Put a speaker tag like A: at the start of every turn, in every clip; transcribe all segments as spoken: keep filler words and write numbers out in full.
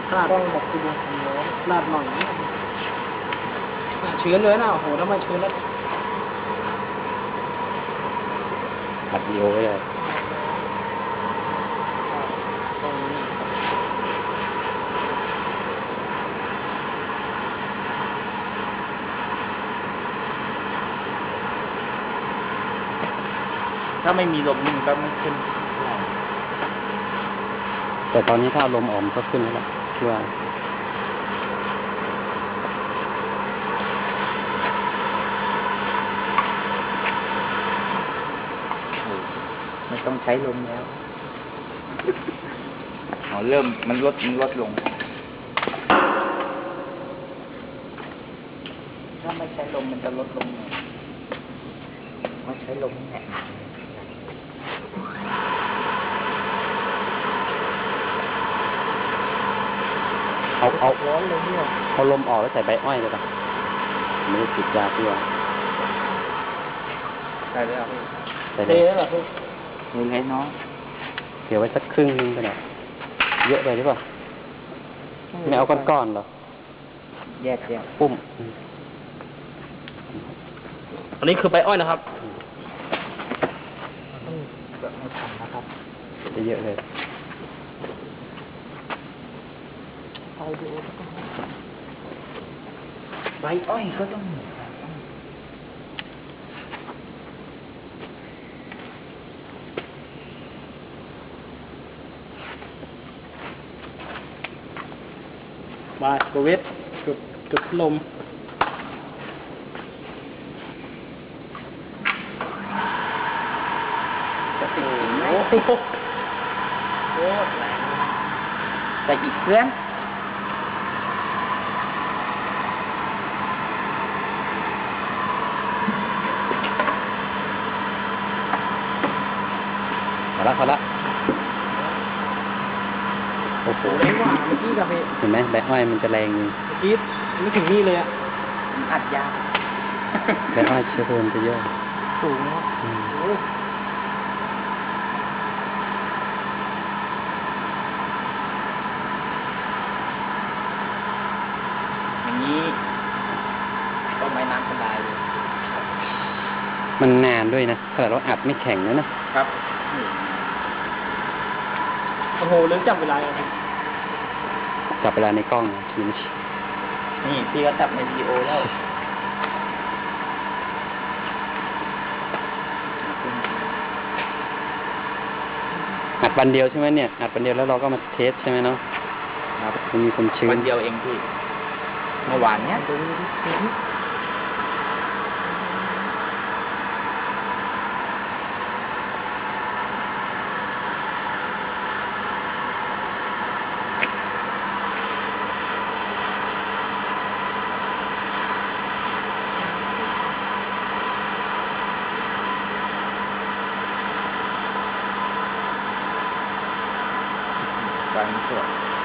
A: ลาดต้องบอกคือวงของน้องลาดหน่อยชื้นเลยนะโอ้โหถ้าไม่ชื้นแล้ว
B: อัดวิดีโอไว้เลย
A: ถ้าไม่มีลมนี่มันก็ไม่ขึ้น
B: แต่ตอนนี้ถ้าลมออกมันก็ขึ้นแล้วคิดว่า
A: ไม่ต้องใช้ลมแล้วอ๋อเริ่มมันลดมันลดลงถ้าไม่ใช้ลมมันจะลดลงไม่ใช้ลมแหละ
B: เอาเอา
A: ร้อนเลยเนี่ย
B: เอาลมออกแล้วใส่ใบอ้อยเลยป่ะไม่ได้ติดยาพี่ว่า
A: ใส่เลยอ่ะพี่
B: ใส่
A: เลยเหรอพี่เลยไงน้อง
B: เดี๋ยวไว้สักครึ่งนึงก็ได้เยอะไปหรือเปล่าไม่เอาก้อนๆหรอ
A: แยกแยก
B: ปุ้ม
A: อันนี้คือใบอ้อยนะครับแบบไม่ทันนะครับ
B: จะเยอะเลย
A: ไปดูใบอ้อยก็ต้องบายโควิดจุดจุดลมจะติดไหมโอ้โหโคตรแรงใส่อีกเพื่อน
B: พอละพอละโอ้โห
A: แรงกว่าเมื่อกี้กับพี่
B: เห็นไหมใบอ้อยมันจะแรงเ
A: มื่อกี้ไม่ถึงนี่เลยอ่ะอัดยา
B: ใบอ้อยเชื้อเพลิงจะเยอะ
A: สูงโอ้อย่างนี้ก็ไม่น้ำสบายเลย
B: มันนานด้วยนะขนาดเราอัดไม่แข็งเลยนะครับ
A: โอ้โหเรื่องจับเวลาเลย
B: จับเวลาในกล้องทีนี้
A: นี่พี่ก็จับในวิดีโอแล้ว
B: อัดวันเดียวใช่ไหมเนี่ยอัดวันเดียวแล้วเราก็มาเทสใช่ไหมเนาะครับมันมีความชื้น
A: วันเดียวเองพี่เมื่อวานเนี้ยการสวด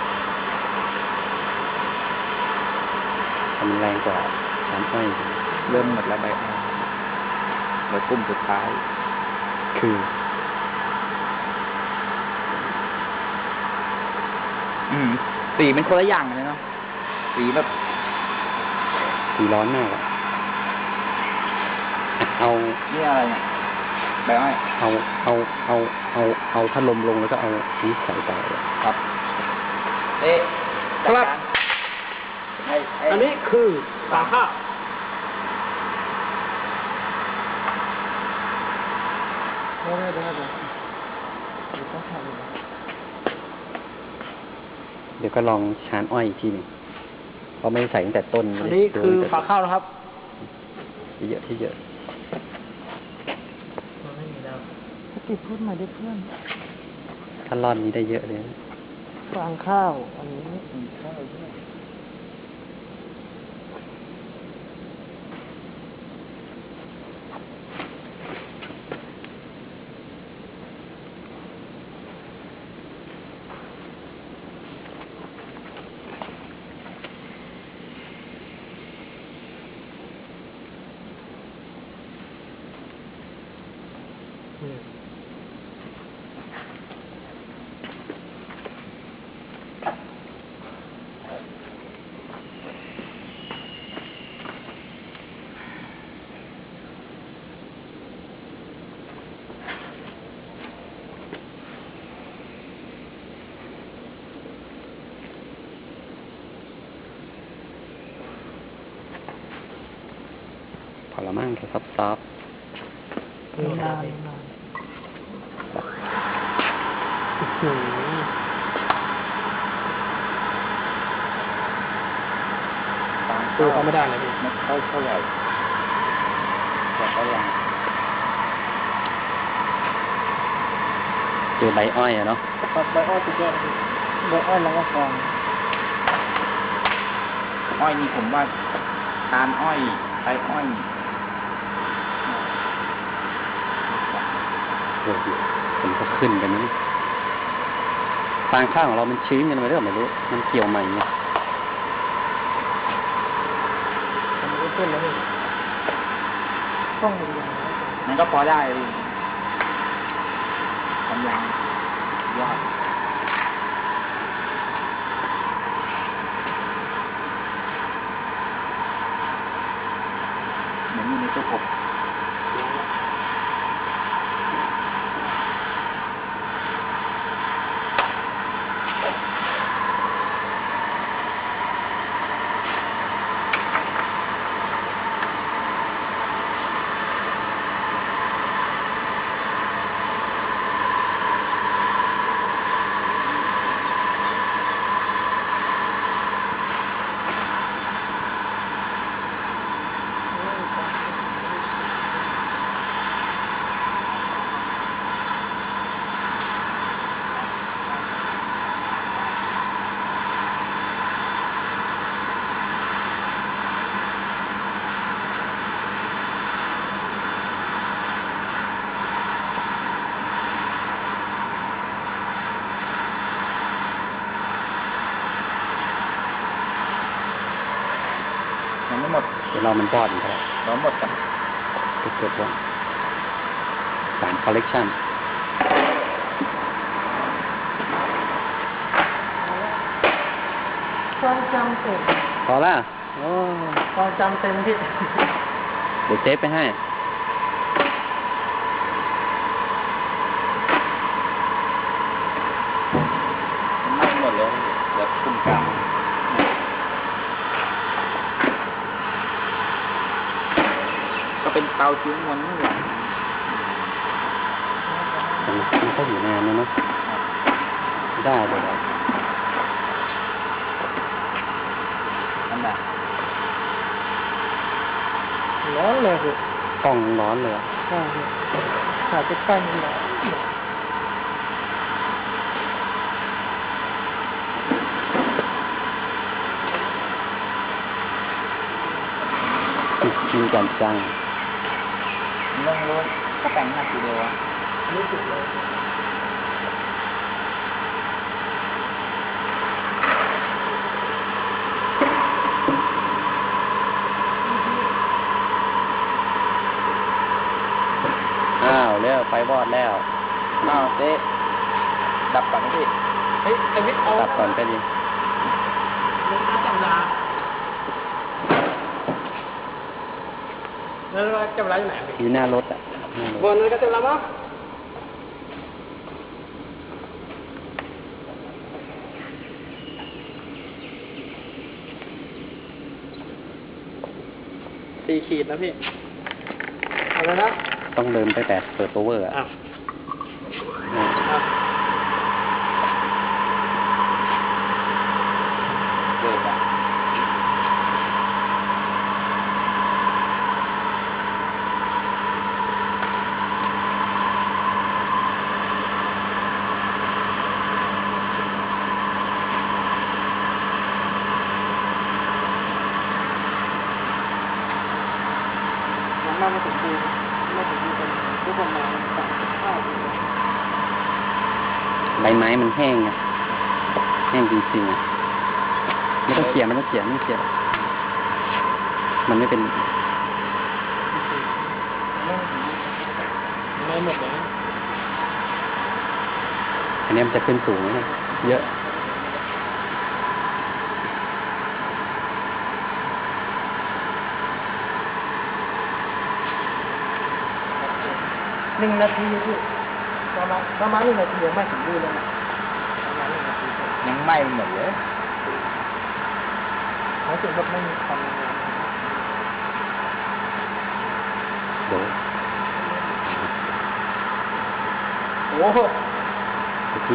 B: มันแรงกว่าน้ำอ้อย
A: เริ่มหมดแล้วใบอ้อยเหลือกลุ่มสุดท้าย
B: คือ
A: อืมสีเป็นคนละอย่างเลยเนาะสีแบบ
B: สีร้อนมากอะเอา
A: นี่อะไรเนี่ยใบอ้อย
B: เอาเอาเอาเอาเอาถ้าลมลงแล้วก็เอานี้ใส่ต่อ
A: ครับเอ๊ะครับอันนี้คือสาข้าว
B: เดี๋ยวก็ลองชานอ้อยอีกทีหนึ่งเพราะไม่ใส่ตั้งแต่ต้น
A: อันนี้คือฝาข้าวนะครับ
B: ที่เยอะที่เยอะ
A: ไม่มีแล้วติดพูดมาได้เพื่อน
B: ถ้าร่อนนี้ได้เยอะเลย
A: ฟางข้าวอันนี้ข้าวด้วย
B: ซอฟซอฟ
C: นานนานหืมดูเขาไม่ได้เลยพี่
A: ไม่ค่อยเท่าไหร่แต่ก็ยัง
B: เจอใบอ้อยอะเนาะ
C: ปัดใบอ้อยสุดยอดเลยใบอ้อยแล้วก็ฟอง
A: อ้อยนี่ผมว่าทานอ้อยใบอ้อย
B: โอ้โหผมก็ขึ้นกันนะนี่ฟางข้าวของเรามันชื้นกันไปเรื่อยไม่รู้ มันเกี่ยวใหม่เนี่ย
C: มันก็ขึ้นแล้วนี่ต้องดูอย่าง
A: มันก็พอได้เลยกำลังยอดเหมือนอยู่ในตู้อบยังไม่หมด
B: เดี๋ยวเรามันบอดอีกแล้ว
A: เราหมดกัน
B: เกิดว่าสามคอลเลกชัน
C: ความจำเต็ม
B: พอละโอ้
C: ความจำเต็มพี่
B: เดี๋ยวเซฟไปให้
A: มันไม่หมดเลยเดี๋ยวคุมกลางก็เป็นเตาชิ้นมันนี่แหละ
B: มันมันก็อยู่นานนะเนาะได้เลยอะ
A: นั่นแหละ
C: ร้อนเลยพี่
B: กล้องร้อนเลยอะ
C: ใช่พี่ถ่ายใกล้ๆมันร้อน
B: มีการจ้าง
A: เรื่องรถก็แต่งหนักทีเดียวอะ
C: รู้สึกเลย
B: อ้าวเร็วไฟวอดแล้ว
A: อ้าวเจ๊ดับก่อนนะพี่
C: เฮ้ยไอ้วิทย์เอา
B: ตัดก่อนก็ดี
C: ลงน้ำจับยาแล้วจับยาอยู่ไหนพี่
B: อยู่หน้ารถอ่ะหน้าร
C: บ
B: ถ
C: นนั้นก็จับยามั้งสี่ขีดนะพี่เอาแล้วนะ
B: ต้องเดินไปแต่เปิดโอเวอร์อ่ะ
C: อ่ะ
B: อ่า
C: อ่ะ
A: เลิกอะ
C: ยังมาไม่ถึงปีไม่ถึงปีเป็นทุกประมาณสามสิบห้าปี
B: ใบไม้มันแห้งอ่ะแห้งจริงๆอ่ะไม่ต้องเขี่ยไม่ต้องเขี่ยไม่ต้องเขี่ยมันไม่เป็น
C: ไม่หมดเลย
B: อันนี้มันจะขึ้นสูงนะเยอะ
C: หนึ่งนาทีพี่ประมาณประมาณหนึ่งนาทียังไม่ถึงดูเลยนะประมาณหนึ่งนาที
A: ยังไหม้ไปหมดเลย
C: รู้สึกว่าไม่มีความร้อน
A: โอ้โห
B: ที่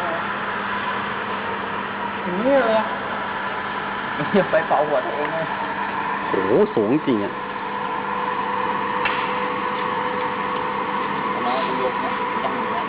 A: อย่างนี้เลยอะอย่าไปเป่าหัวตัวเองเลย
B: โอ้โหสูงจริงอ่ะ
A: มาดูยกนะต้องอย่างนี้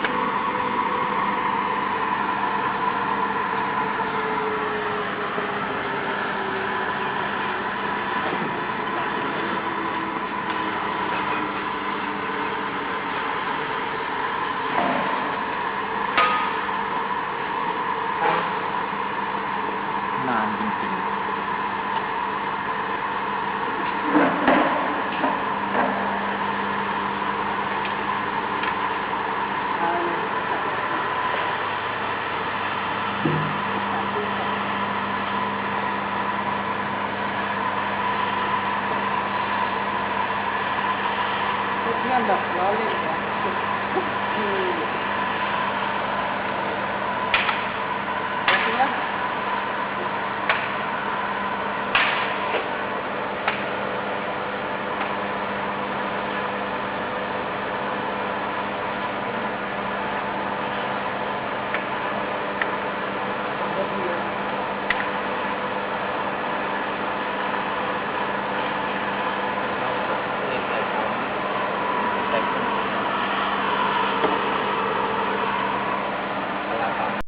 A: นานจริงๆ
C: อ่า